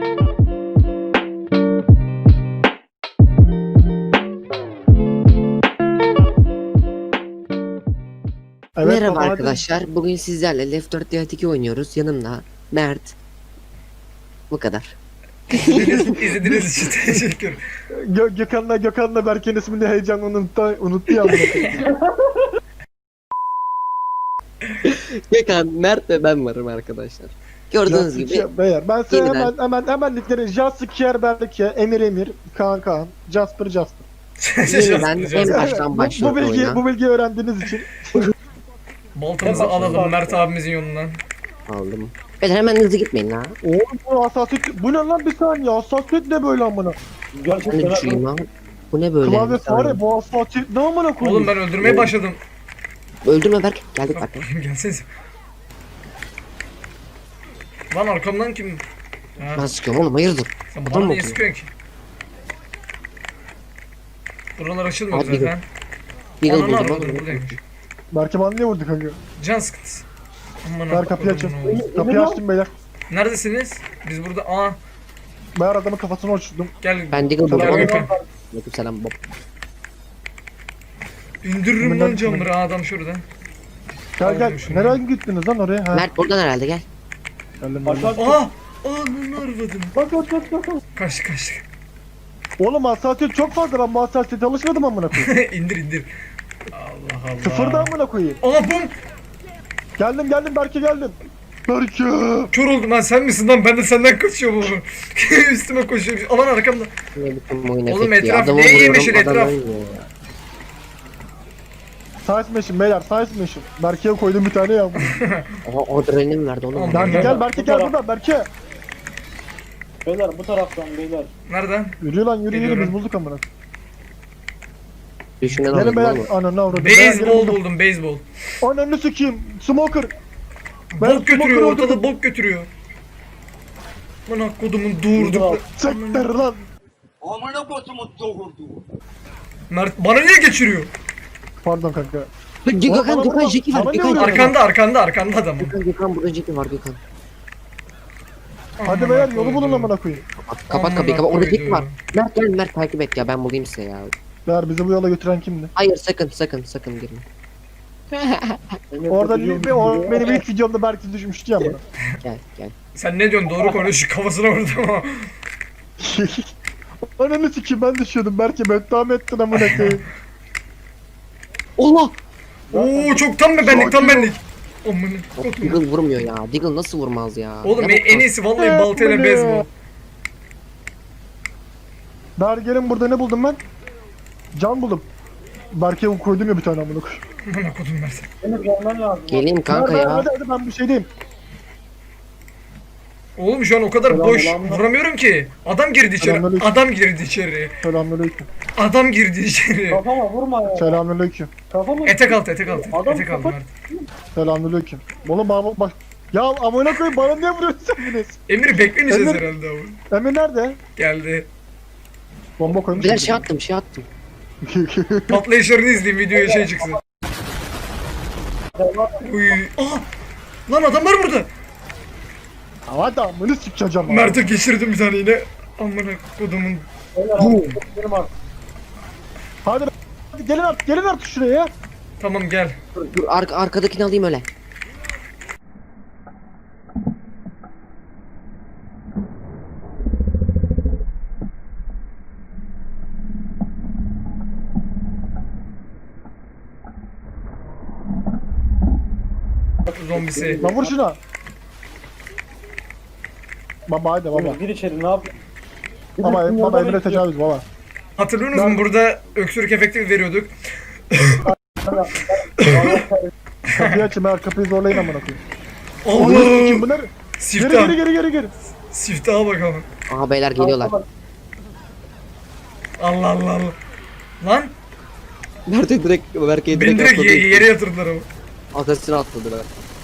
Evet, Merhaba baba, hadi. arkadaşlar. Bugün sizlerle Left 4 Dead 2 oynuyoruz. Yanımda Mert. Bu kadar. İzlediğiniz için teşekkür. Gökhan'la Berke'nin ismini heyecanla unuttu ya. Gökhan, Mert ve ben varım arkadaşlar. Gördüğünüz gibi Beyler, ben size yeniden- hemen linkleri Jaskier Berke, Emir, Kaan, Jasper. yeniden en baştan Bu başlıyor oyuna. bilgiyi öğrendiğiniz için. Baltamızı alalım Mert abimizin yolundan. Aldım. Beyler hemen hızlı gitmeyin ha. Oğlum bu hassasiyet, bu ne lan bir saniye, hassasiyet ne böyle amına? Ben de düşeyim lan. Bu ne böyle? Klavye Bir saniye. fare, bu hassasiyet ne amına koyayım? Oğlum ben öldürmeye başladım. Öldürme Berk. Geldik bak. Gelsenize. Lan arkamdan kim? Ha, Ben sıkıyorum oğlum, hayırdır? sen adam bana mı niye okuyor? sıkıyorsun ki? Buralar açılmıyor Abi, zaten. Deagle Ananı buldum arvadım oğlum. buradaymış. Berke bana niye vurdu kanka? Can sıkıntısı. Aman Ver kapıyı Allah'ım, açın. ne oldu? Kapıyı açtım beyler. Neredesiniz? Biz burada. Ben adamın kafasını uçurdum. Gel. Ben Deagle buldum. Gel Tamam. Gökhan. Aleykümselam Bob. İndiririm Bundan lan camları adam şuradan. Gel Aldım şunu. nereye gittiniz lan oraya? Ha. Mert buradan herhalde, gel. Geldim. Ananı arvadım. Bak. Kaçtı. Oğlum hassasiyet çok fazla, ben bu hassasiyete alışmadım amına koyayım. İndir. Allah Allah. Sıfırda amına koyayım. Aha bum. Geldim Berke geldim. Berke. Kör oldum lan, sen misin lan? Ben de senden kaçıyorum oğlum. Üstüme koşuyor. Aman arkamda. Ne biçim oyun Oğlum efekti ya. etraf Adamı ne vuruyorum, yemişin adam etraf? ölmüyor ya. Size machine beyler, size machine. Berke'ye koydum bir tane ya. Aha, adrenalin verdi oğlum. Tamam. Berke gel, Berke gel burada, Berke. Beyler bu taraftan beyler. Nereden? Yürü lan yürü Geliyorum. biz bulduk amına. Düşünen Gelin aldım beyler, oğlum. ananı avradım. Beyler, gelin Beyzbol buldum. buldum, beyzbol. Ananı sikeyim, smoker. Ben Bok götürüyor, smoker ortada öldürdüm. bok götürüyor. Lan kodumun doğurduk. Sekter lan. Mert bana niye geçiriyor? Pardon kanka. Gökhan Jeki var. Bana ne Gökhan, vuruyorsun? Arkanda adam. Gökhan burada Jeki var Gökhan. Hadi beyler yolu bulun amına koyayım. Kapat kapıyı, kapat. Orada Jeki var. Mert gel, Mert takip et ya, ben bulayım size ya. Beyler bizi bu yola götüren kimdi? Hayır, sakın girme. Orada benim ilk videomda Berke düşmüştü ya bana. Gel. Sen ne diyorsun? Doğru konuş. Kafasına vurdum ama. Ananı sikeyim, ben düşüyordum. Berke beddua ettin amına koyayım. Allah! Oo çok tam benlik. Aman kodum. Deagle vurmuyor ya. Deagle nasıl vurmaz ya? Oğlum Ne en iyisi vallahi baltayla beyzbol. Berke'nin burada ne buldum ben? Can buldum. Berke'ye koydum ya bir tane amına koyayım. Aman kodum Mert. Beni görmen lazım. Geleyim kanka ya. Hadi ben bir şey diyeyim. Oğlum şu an o kadar boş vuramıyorum ki. Adam girdi içeri. Selamünaleyküm. Adam girdi içeri. Kafama vurma ya. Selamünaleyküm. Kafama Etek altı. Etek altı Adam Mert. Selamünaleyküm. Oğlum bak. Ya amına koyayım, bana niye vuruyorsun sen? Emir'i beklemeyeceğiz Emir- herhalde ama. Emir nerede? Geldi. Bomba koymuş. Bir şey attım. Patlayışlarını izleyeyim, videoya şey çıksın. Uy. Aa! Lan adam var burada. Hadi amını sikeceğim. Mert'e geçirdim bir tane yine. Amına kodumun. benim artık. Hadi gelin artık şuraya ya. Tamam gel. Dur arkadakini alayım öyle. Zombisi. Lan vur şuna. Baba hadi baba. Gir içeri ne yap? Baba Emre tecavüz baba. Hatırlıyor musun burada öksürük efekti veriyorduk. Kapıyı açın, ben kapıyı zorlayın amına koyayım. Allah! Kim bunlar? Siftah. Geri. Siftaha bakalım. Aha beyler geliyorlar. Allah. Lan Mert'e direkt Berke'ye beni direkt atladı. yere yatırdılar ama. Arkasına atladılar.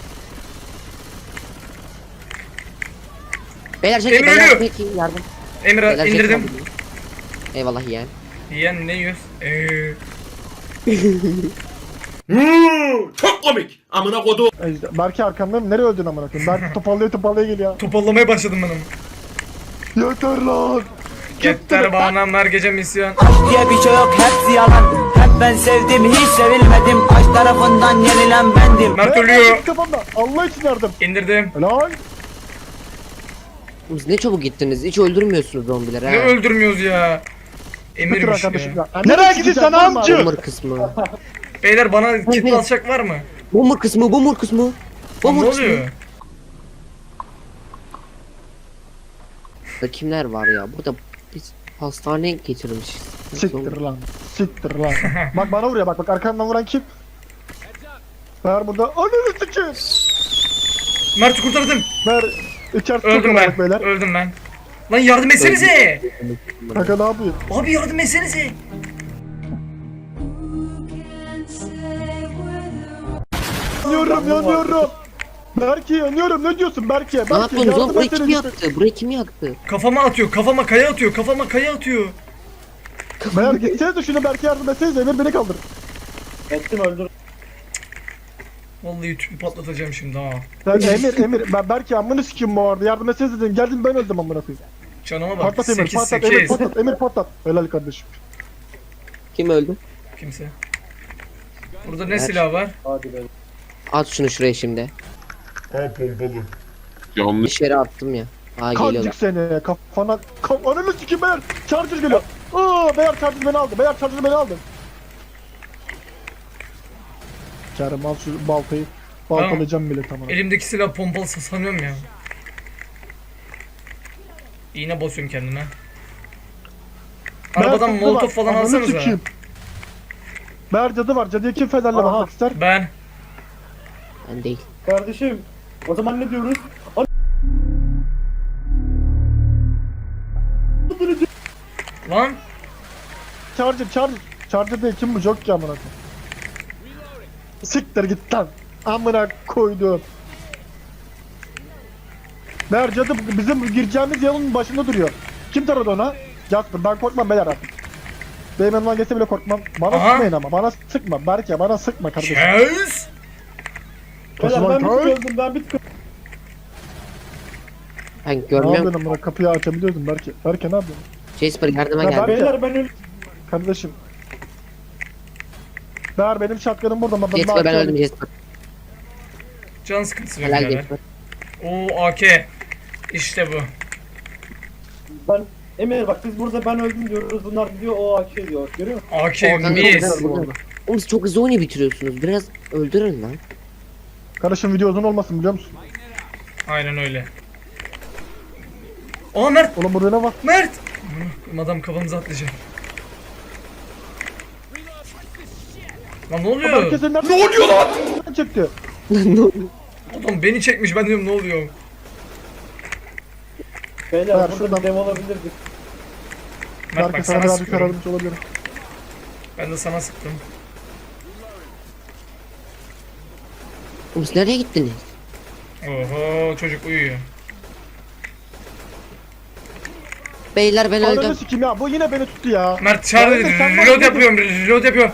Beyler Jeki, Emir beyler ölüyor. Jeki yardım. Emre Beyler Jeki indirdim. yardım. Eyvallah yeğen. Yiyen ne yiyoruz? Çok komik. Amına kodu. Berke arkamdayım. Nereye öldün amına koyayım? Berke topallaya geliyor. Topallamaya başladım ben ama. Yeter lan. Yeter bağlamlar gece misyon. Diye bir şey yok, hepsi yalan. Hep ben sevdim, hiç sevilmedim. Aşk tarafından yenilen bendim. Mert ölüyor. Kafamda. Allah için yardım. İndirdim. Helal. Siz ne çabuk gittiniz. Hiç öldürmüyorsunuz zombileri Ne ha. öldürmüyoruz ya. Götür Emirmiş arkadaşım ya. ya. Nereye gidiyorsun amca? Bomber kısmı. Beyler bana kit evet. alacak var mı? Bomber kısmı. Bomber kısmı. Lan Bomber ne kısmı. oluyor? Burada kimler var ya? Burada biz hastaneye getirmişiz. Siktir lan. Siktir lan. Bak bana vuruyor bak arkamdan vuran kim? Ver burada. Ananı sikeyim. Mert'i kurtardım. Ver. İçerisi Öldüm çok ben. olarak beyler. Öldüm ben. Lan yardım etsenize. Kanka ne yapıyor? Abi yardım etsenize. Yanıyorum. Berke yanıyorum. Ne diyorsun Berke? Ne Berke yapıyorsunuz oğlum? yardım Burayı kim etsene. yaktı? Burayı kim yaktı? Kafama atıyor. Kafama kaya atıyor. Kafama kaya atıyor. Beyler gitsenize şuna Berke yardım etsenize. Emir beni kaldır. Ettim öldür. Vallahi tüpü patlatacağım şimdi ha. Emir ben Berke amını sikeyim bu arada. Yardım etsenize dedim. Geldim ben öldüm amına koyayım. Canıma bak. Patlat Emir 8 patlat Emir 8. patlat Emir patlat. Helal kardeşim. Kim öldü? Kimse. Burada ne Ver. silah var? Hadi be. At şunu şuraya şimdi. Ha pompalı. Yanlış. Dışarı attım ya. Aa geliyorlar. Kancık seni kafana. Ananı sikeyim beyler. Charger geliyor. Aa beyler Charger beni aldı. Beyler Charger beni aldı. Kerem al şu baltayı. Baltalayacağım bile tamam. Elimdeki silah pompalı sanıyorum ya. İğne basıyorum kendime. Arabadan Cadı molotof var. falan Ananı alsanıza. sikeyim. Meğer cadı var. Cadıya kim fenerle Aha. bakmak ister? Ben. Ben değil. Kardeşim. O zaman ne diyoruz? Lan. Charger. Charger değil kim bu? Jok ki amına koyayım. Siktir git lan. Amına koydum. Meğer cadı bizim gireceğimiz yolun başında duruyor. Kim taradı ona? Jasper. Ben korkmam beyler artık. Benim yanımdan geçse bile korkmam. Bana Aha. sıkmayın ama. Bana sıkma. Berke bana sıkma kardeşim. Kes. Beyler ben bir tık Osman öldüm, ben bir tık Ben Ne görmüyorum. yapıyorsun amına? Kapıyı açabiliyordum Berke. Berke ne yapıyorsun? Jasper yardıma Ya geldi. Beyler ben öldüm. Kardeşim. Meğer benim şatkanım burada ama Jasper ben öldüm Jasper. Can sıkıntısı var Helal birader. Jasper. Oo AK. İşte bu. Ben Emir bak biz burada ben öldüm diyoruz. Bunlar diyor o AK diyor. Görüyor musun? AK Kanka, mis. Oğlum siz çok hızlı oyunu bitiriyorsunuz. Biraz öldürün lan. Kardeşim video uzun olmasın biliyor musun? Aynen öyle. Aa Mert. Oğlum burada ne var? Mert. Adam kafamıza atlayacak. Lan ne oluyor? Berke sen nereden? Ne oluyor lan? Çekti. Adam beni çekmiş, ben diyorum ne oluyor? Beyler Ver, burada şuradan. bir dev olabilirdik. Mert Berke bak sana sana birazcık sıkıyorum. yardımcı olabilirim. Ben de sana sıktım. Oğlum siz nereye gittiniz? Oho çocuk uyuyor. Beyler ben Ananı öldüm. sikeyim ya bu yine beni tuttu ya. Mert çağır, Berke, sen reload bak- yapıyorum, reload yapıyorum.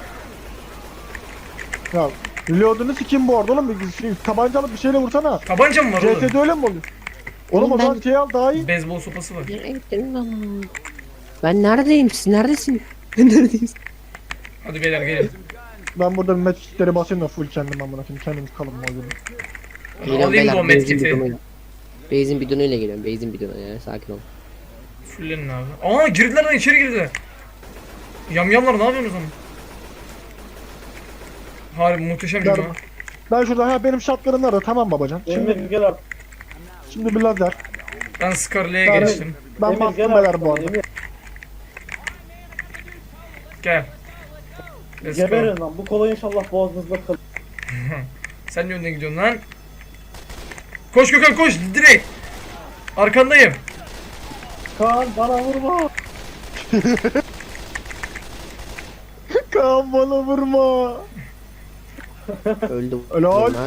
Ya reload'unu sikeyim bu arada oğlum. Tabanca alıp bir şeyle vursana. Tabanca mı var oğlum? CS'de öyle mi oluyor? Oğlum o Oğlum zaman ben- şey al daha iyi. Beyzbol sopası var. Nereye gittiniz lan? Ben neredeyim? Siz neredesin? Ben neredeyim? Hadi beyler gelin. Ben burada medkitleri basayım da full kendim amına koyayım. Kendimiz kalın mı oluyor? Alayım da o benzin medkiti. bidonuyla. Benzin bidonuyla geliyorum. Benzin bidonu ya sakin ol. Fullenin abi. Aa girdiler lan, içeri girdiler. Yamyamlar ne yapıyorsunuz lan? Harbi muhteşem Gel. gibi ha. Ben şurada benim shotgun'ım nerede? Tamam babacan. Emir Şimdi, gel artık. şimdi bir lazer. Ben Scarlet'e Ben- geçtim. Ben Emir bastım gel beyler artık. bu arada. Emir Gel. Let's go. geberin lan. Bu kola inşallah boğazınızda kalır. Sen ne önden gidiyorsun lan? Koş Gökhan koş direkt. Arkandayım. Kaan bana vurma. Kaan bana vurma. Öldüm. Helal. Bunlar.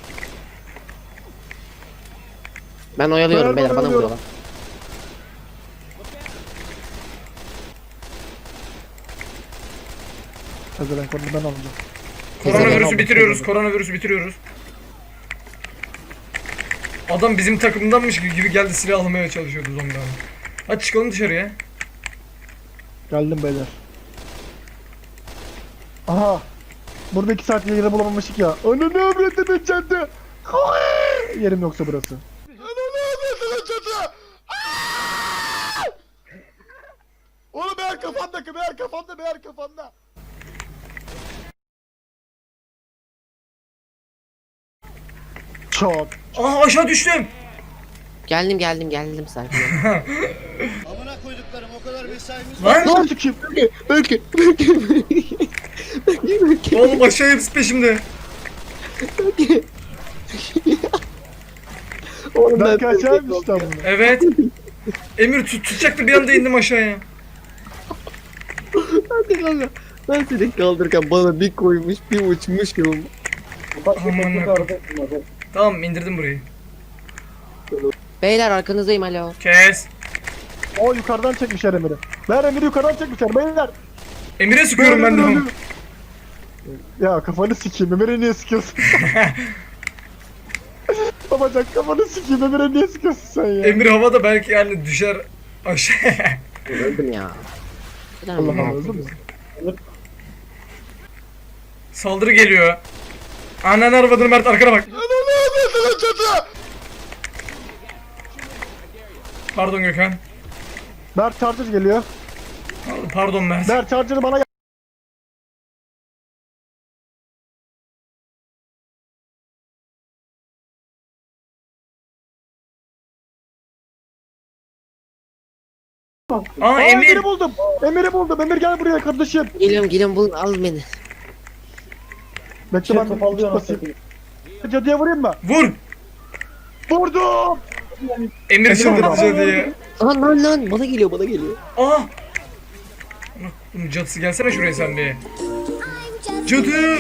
Ben oyalıyorum Ben beyler bana oyalıyorum. vuruyorlar. Hadi ben ben alacağım. Koronavirüsü bitiriyoruz. Koronavirüsü bitiriyoruz. Adam bizim takımdanmış gibi geldi, silah almaya çalışıyordu zombi abi. Hadi çıkalım dışarıya. Geldim beyler. Aha. Burada 2 saat yeri bulamamıştık ya. Ananı avradını çatı. Yerim yoksa burası. Ananı avradını çatı. Oğlum meğer kafanda, meğer kafanda, meğer kafanda. Çok. Aa aşağı düştüm. Geldim sakin ol. Amına koyduklarım o kadar mesaimiz Lan Lan sikeyim. Belki. oğlum aşağı hepsi peşimde. Oğlum Belki aşağıymış lan bunu. Evet. Emir tutacaktı bir anda indim aşağıya. Hadi kanka. Ben seni kaldırırken bana bir koymuş bir uçmuş gibi. Ufak bir Aman teknik Allah'ım. arıza ettim hadi. Tamam indirdim burayı. Beyler arkanızdayım alo. Kes. O yukarıdan çekmişler Emir'i. Ver Emir'i yukarıdan çekmişler beyler. Emir'e sıkıyorum ben de onu. Ya kafanı sikeyim Emir'e niye sıkıyorsun? Babacan kafanı sikeyim Emir'e niye sıkıyorsun sen ya? Emir havada belki yani düşer aşağıya. Öldüm ya. Allah Allah öldün mü? Saldırı geliyor. Ananı arvadını Mert arkana bak. Pardon Gökhan. Berk Charger geliyor. Pardon Mert. Berk Charger'ı bana gel. Aa Emir. Emir'i buldum. Emir'i buldum. Emir gel buraya kardeşim. Geliyorum bul al beni. Bekle Şey ben topallıyor nasıl basayım. satayım. Cadıya vurayım mı? Vur. Vurdum. Emir çıldırtıcı diye. Lan bana geliyor. Aa. Bunun cadısı gelsene şuraya sen bir. Cadı.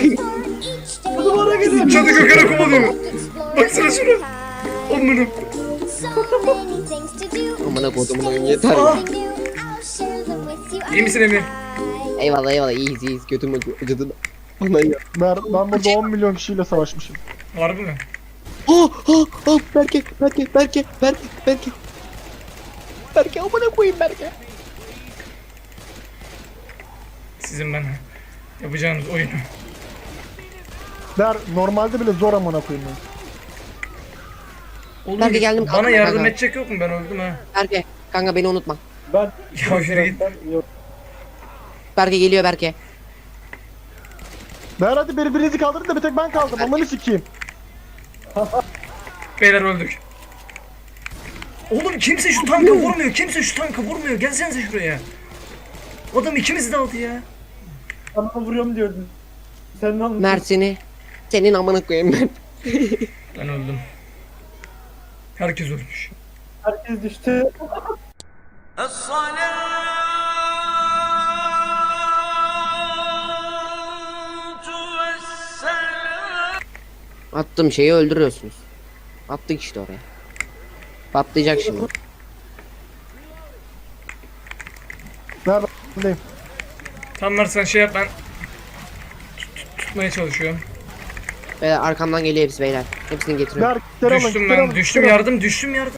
Cadı Gökhan'a kovalıyor. Baksana şuna. Onları. Amına kodumun oyun yeter ya. Aa. İyi misin Emir? Eyvallah iyiyiz götüm acıdı. Aman ya. Ben burada 10 milyon kişiyle savaşmışım. Harbi mi? Berke. Berke amına koyayım Berke. Sizin ben yapacağınız oyunu. Normalde bile zor amına koyayım ben. Oğlum Berke geldim, bana kalktım yardım kanka. edecek yok mu? Ben öldüm ha. Berke kanka beni unutma. Ben Ya yürü git. Yok. Berke geliyor Berke. Hadi birbirinizi kaldırın da bir tek ben kaldım. Amanı sikeyim. Beyler öldük. Oğlum kimse şu tanka vurmuyor. Kimse şu tanka vurmuyor. Gelsenize şuraya. Adam ikimizi de aldı ya. Sana vuruyorum diyordun. Sen ne anlatıyorsun? Mert seni. Senin amına koyayım ben. Ben öldüm. Herkes ölmüş. Herkes düştü. Attım şeyi öldürüyorsunuz. Attık işte oraya. Patlayacak şimdi. Neredeyim? Tamam Mert sen şey yap ben tutmaya çalışıyorum. Beyler arkamdan geliyor hepsi beyler. Hepsini getiriyorum. Düştüm ben. Düştüm yardım. Düştüm yardım.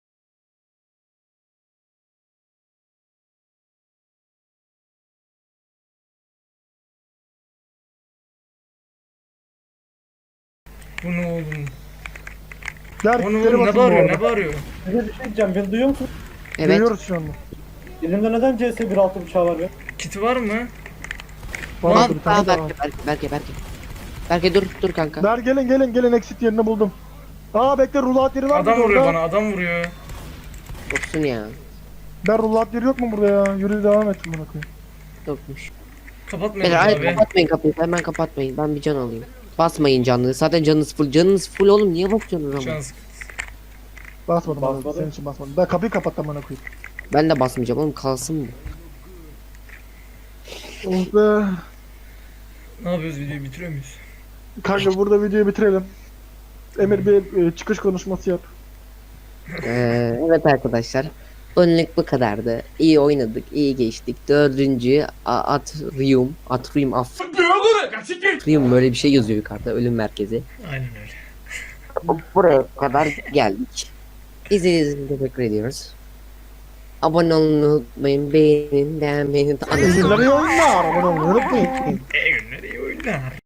Bu ne oğlum? O ne oğlum? Ne bağırıyor? Ne bağırıyor? Size bir şey diyeceğim. Beni duyuyor musun? Evet. Duyuyoruz şu anda. Elimde neden CS 1.6 bıçağı var be? Kiti var mı? Var Lan bir tane daha. Berke. Berke dur kanka. Gelin exit yerini buldum. Bekle rulat yeri var mı Adam vuruyor burada? bana. Adam vuruyor. Yoksun ya. Rulat yeri yok mu burada ya? Yürü devam et bana koyayım. Yokmuş. Kapatmayın Beyler hayır abi. kapatmayın kapıyı. Hemen kapatmayın. Ben bir can alayım. Basmayın canlı. Zaten canınız full. Canınız full oğlum. Niye bakıyorsunuz ama? Şans. Basmadım abi. Basmadı. Senin için basmadım. Ben kapıyı kapattım bana koyayım. Ben de basmayacağım oğlum. Kalsın mı? Oh be. Ne yapıyoruz videoyu bitiriyor muyuz? Kanka burada videoyu bitirelim. Emir bir çıkış konuşması yap. Evet arkadaşlar. Önlük bu kadardı. İyi oynadık. İyi geçtik. Dördüncü Atrium. Atrium böyle bir şey yazıyor yukarıda. Ölüm merkezi. Aynen öyle. Buraya kadar geldik. İzlediğiniz için teşekkür ediyoruz. Abone olmayı unutmayın. Beğenin, beğenmeyi unutmayın. Günleri oyunlar. Abone olmayı unutmayın. günler iyi oyunlar.